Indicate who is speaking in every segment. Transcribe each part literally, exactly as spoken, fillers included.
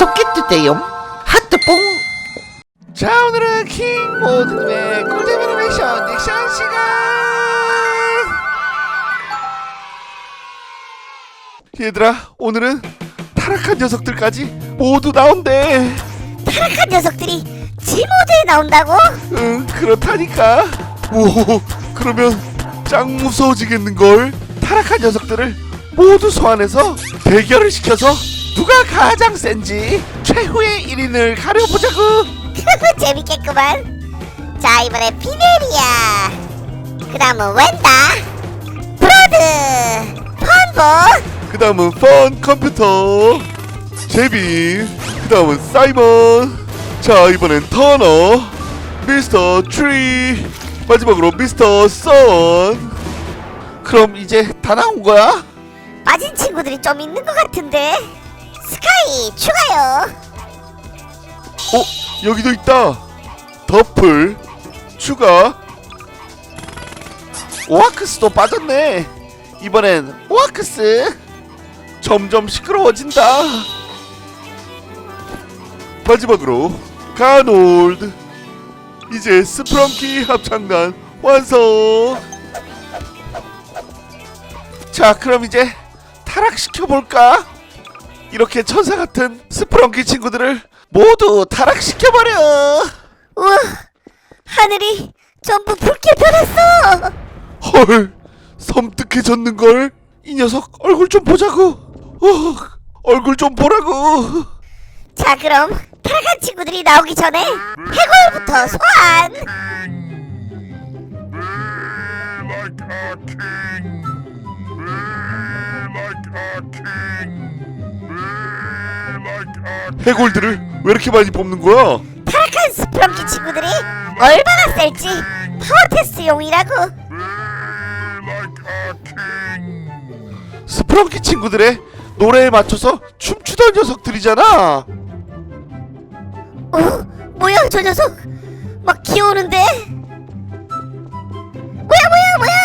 Speaker 1: 구독해주세요. 하트뽕.
Speaker 2: 자, 오늘은 킹 모드님의 꿀잼 애니메이션 닉션 시간. 얘들아, 오늘은 타락한 녀석들까지 모두 나온대.
Speaker 3: 타락한 녀석들이 G모드에 나온다고?
Speaker 2: 응, 그렇다니까. 오, 그러면 짱 무서워지겠는걸. 타락한 녀석들을 모두 소환해서 대결을 시켜서 누가 가장 센지 최후의 일 인을 가려보자구.
Speaker 3: 재밌겠구만. 자, 이번엔 피네리아, 그 다음은 웬다, 브라드, 펀보,
Speaker 2: 그 다음은 펀 컴퓨터, 제비, 그 다음은 사이먼. 자, 이번엔 터너, 미스터 트리, 마지막으로 미스터 선. 그럼 이제 다 나온 거야?
Speaker 3: 빠진 친구들이 좀 있는 것 같은데. 스카이 추가요.
Speaker 2: 어? 여기도 있다. 더플 추가. 오아크스도 빠졌네. 이번엔 오아크스. 점점 시끄러워진다. 마지막으로 가놀드. 이제 스프렁키 합창단 완성. 자, 그럼 이제 타락시켜볼까? 이렇게 천사같은 스프렁키 친구들을 모두 타락시켜버려.
Speaker 3: 우와, 하늘이 전부 붉게 변했어.
Speaker 2: 헐, 섬뜩해졌는걸. 이 녀석 얼굴 좀 보자고. 어, 얼굴 좀 보라고.
Speaker 3: 자, 그럼 타락한 친구들이 나오기 전에 해골부터 소환.
Speaker 2: 해골들을 왜 이렇게 많이 뽑는 거야?
Speaker 3: 타락한 스프렁키 친구들이 얼마나 셀지 파워 테스트용이라고.
Speaker 2: 스프렁키 친구들의 노래에 맞춰서 춤추던 녀석들이잖아.
Speaker 3: 어? 뭐야 저 녀석? 막 기어오는데? 뭐야 뭐야 뭐야!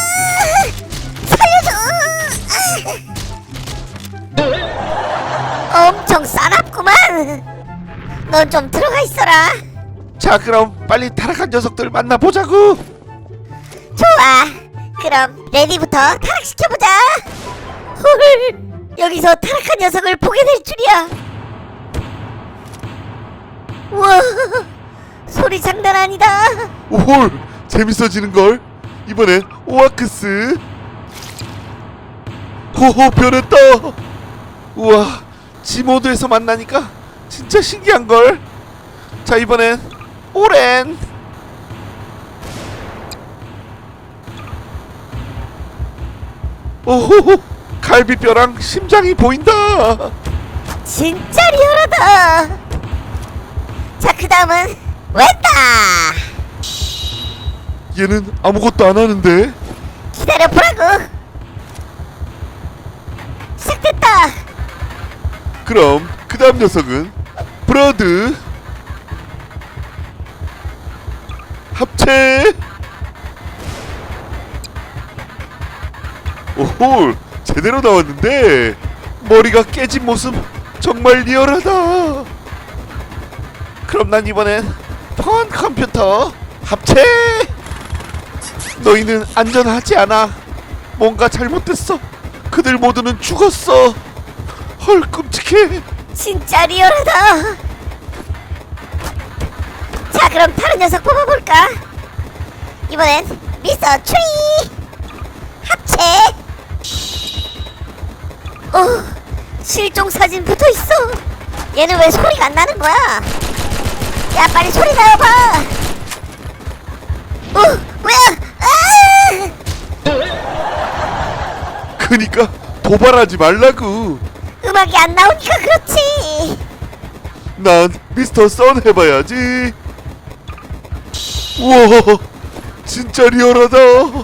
Speaker 3: 아! 살려줘! 아! 엄청 싸납구만. 넌 좀 들어가 있어라.
Speaker 2: 자, 그럼 빨리 타락한 녀석들 만나보자고.
Speaker 3: 좋아. 그럼 레디부터 타락시켜보자. 헐, 여기서 타락한 녀석을 보게 될 줄이야. 우와, 소리 장난 아니다.
Speaker 2: 오홀, 재밌어지는걸. 이번엔 오아크스. 호호, 변했다. 우와, G모드에서 만나니까 진짜 신기한걸. 자, 이번엔 오렌. 오호호, 갈비뼈랑 심장이 보인다.
Speaker 3: 진짜 리얼하다. 자, 그 다음은 웬다.
Speaker 2: 얘는 아무것도 안 하는데.
Speaker 3: 기다려보라고. 시작됐다.
Speaker 2: 그럼 그 다음 녀석은 브러드. 합체. 오호, 제대로 나왔는데 머리가 깨진 모습 정말 리얼하다. 그럼 난 이번엔 펀 컴퓨터 합체. 너희는 안전하지 않아. 뭔가 잘못됐어. 그들 모두는 죽었어. 헐, 끔찍해.
Speaker 3: 진짜 리얼하다. 자, 그럼 다른 녀석 뽑아볼까? 이번엔 미스터 트리 합체. 어, 실종 사진 붙어있어. 얘는 왜 소리가 안 나는 거야? 야, 빨리 소리 나와봐. 어, 뭐야? 아!
Speaker 2: 그니까 도발하지 말라고.
Speaker 3: 음악이 안 나오니까 그렇지.
Speaker 2: 난 미스터 선 해봐야지. 우와, 진짜 리얼하다.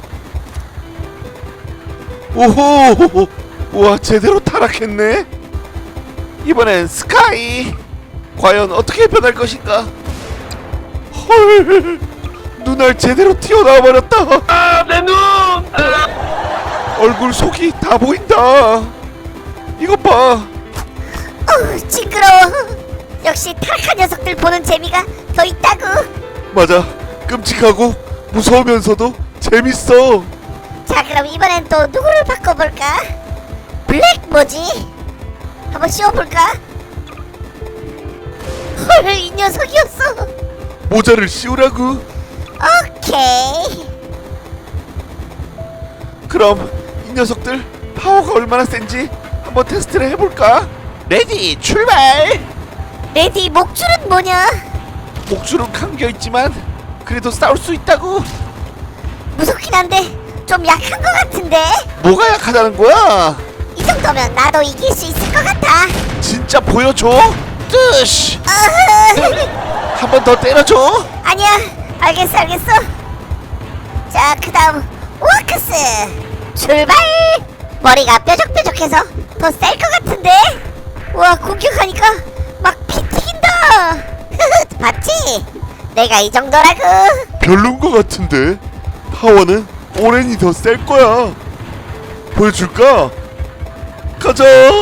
Speaker 2: 오호, 우와, 제대로 타락했네. 이번엔 스카이. 과연 어떻게 변할 것인가? 헐, 눈알 제대로 튀어나와 버렸다. 아, 내 눈. 얼굴 속이 다 보인다. 이것 봐.
Speaker 3: 어, 징그러워. 역시 타락한 녀석들 보는 재미가 더 있다고.
Speaker 2: 맞아. 끔찍하고 무서우면서도 재밌어.
Speaker 3: 자, 그럼 이번엔 또 누구를 바꿔볼까? 블랙 뭐지? 한번 씌워볼까? 헐, 이 녀석이었어.
Speaker 2: 모자를 씌우라고.
Speaker 3: 오케이.
Speaker 2: 그럼 이 녀석들 파워가 얼마나 센지 한번 테스트를 해볼까? 레디 출발!
Speaker 3: 레디 목줄은 뭐냐?
Speaker 2: 목줄은 감겨있지만 그래도 싸울 수 있다고.
Speaker 3: 무섭긴 한데 좀 약한 것 같은데?
Speaker 2: 뭐가 약하다는 거야?
Speaker 3: 이 정도면 나도 이길 수 있을 것 같아.
Speaker 2: 진짜 보여줘. 뜨시.
Speaker 3: 어흐.
Speaker 2: 한 번 더 때려줘.
Speaker 3: 아니야, 알겠어 알겠어. 자, 그 다음 워크스 출발. 머리가 뾰족뾰족해서 더 셀 것 같은데? 우와, 공격하니까 막 피 튀긴다. 흐흐, 봤지? 내가 이 정도라고.
Speaker 2: 별론 거 같은데. 파워는 오렌이 더 셀 거야. 보여줄까? 가자.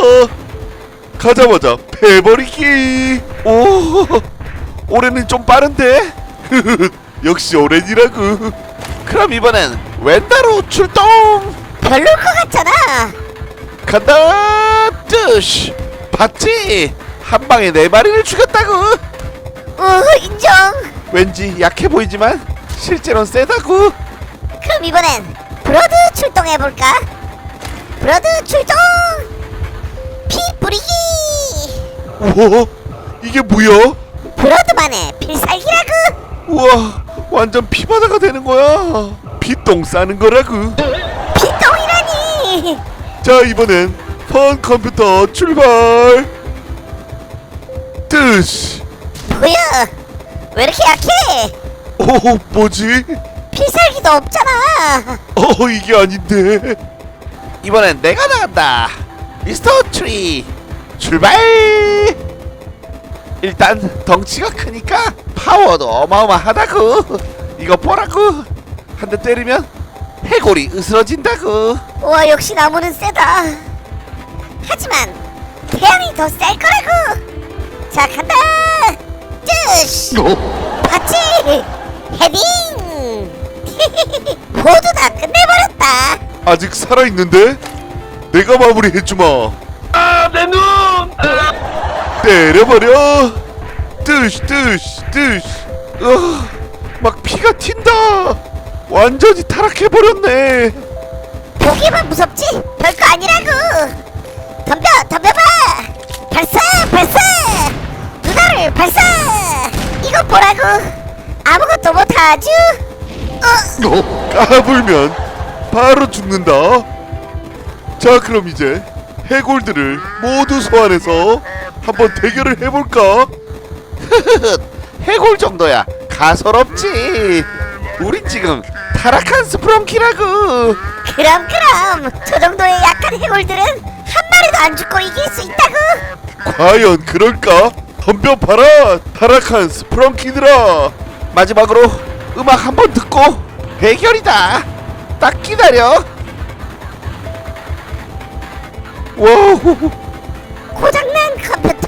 Speaker 2: 가자마자 패버리기. 오, 오렌은 좀 빠른데. 역시 오렌이라고. 그럼 이번엔 웬다로 출동.
Speaker 3: 별로일 것 같잖아.
Speaker 2: 간다. 뜨시. 봤지? 한 방에 네 마리를 죽였다고.
Speaker 3: 우, 인정.
Speaker 2: 왠지 약해 보이지만 실제로는 세다고.
Speaker 3: 그럼 이번엔 브로드 출동해볼까? 브로드 출동. 피 뿌리기.
Speaker 2: 우와, 이게 뭐야?
Speaker 3: 브로드만의 필살기라고.
Speaker 2: 우와, 완전 피바다가 되는 거야. 피똥 싸는 거라고.
Speaker 3: 피똥이라니.
Speaker 2: 자, 이번엔 펀 컴퓨터 출발. 뜨시.
Speaker 3: 뭐야, 왜 이렇게 약해?
Speaker 2: 오, 뭐지?
Speaker 3: 필살기도 없잖아.
Speaker 2: 어, 이게 아닌데. 이번엔 내가 나간다. 미스터 트리 출발. 일단 덩치가 크니까 파워도 어마어마하다고. 이거 보라고. 한 대 때리면 해골이 으스러진다고.
Speaker 3: 우와, 역시 나무는 세다. 하지만 태양이 더 셀 거라고. 자, 간다. 뜨시. 봤지? 헤딩. 모두 다 끝내버렸다.
Speaker 2: 아직 살아있는데? 내가 마무리해주마.
Speaker 4: 아, 내 눈!
Speaker 2: 때려버려. 뜨시 뜨시 뜨시. 어, 막 피가 튄다. 완전히 타락해버렸네.
Speaker 3: 보기만 무섭지 별거 아니라고. 덤벼 덤벼봐. 발사 발사. 누나를 발사. 이거 보라고. 아무것도 못하죠. 어,
Speaker 2: 까불면 바로 죽는다. 자, 그럼 이제 해골들을 모두 소환해서 한번 대결을 해볼까? 해골 정도야 가설없지. 우린 지금 타락한 스프렁키라고.
Speaker 3: 그럼 그럼 저 정도의 약한 해골들은 한 마리도 안 죽고 이길 수 있다고.
Speaker 2: 과연 그럴까? 덤벼봐라 타락한 스프렁키들아. 마지막으로 음악 한번 듣고 대결이다. 딱 기다려. 와우.
Speaker 3: 고장난 컴퓨터.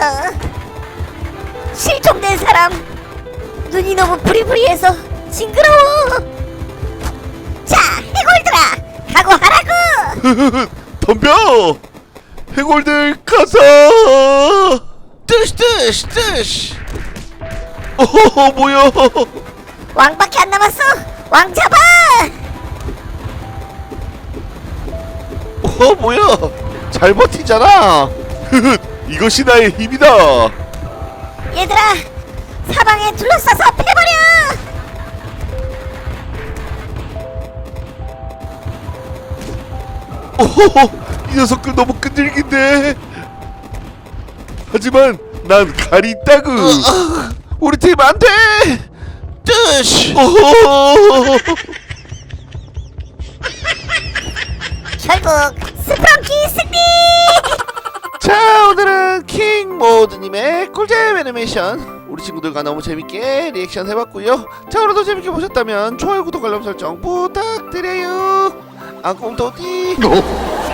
Speaker 3: 실종된 사람. 눈이 너무 부리부리해서 징그러워. 자, 해골들아, 각오하라고.
Speaker 2: 덤벼. 해골들 가자. 뜨시 뜨시 뜨시. 어, 뭐야?
Speaker 3: 왕밖에 안 남았어. 왕 잡아.
Speaker 2: 어, 뭐야? 잘 버티잖아. 이것이 나의 힘이다.
Speaker 3: 얘들아, 사방에 둘러싸서 패버려.
Speaker 2: 오, 이 녀석들 너무 끈질긴데. 하지만 난 칼이 있다구. 우리 팀 안 돼. 뜨시.
Speaker 3: 결국 스프렁키 승리.
Speaker 2: 자, 오늘은 킹 모드님의 꿀잼 애니메이션 우리 친구들과 너무 재밌게 리액션 해봤고요. 자, 오늘도 재밌게 보셨다면 좋아요, 구독, 알람 설정 부탁드려요. 안꿈토띠.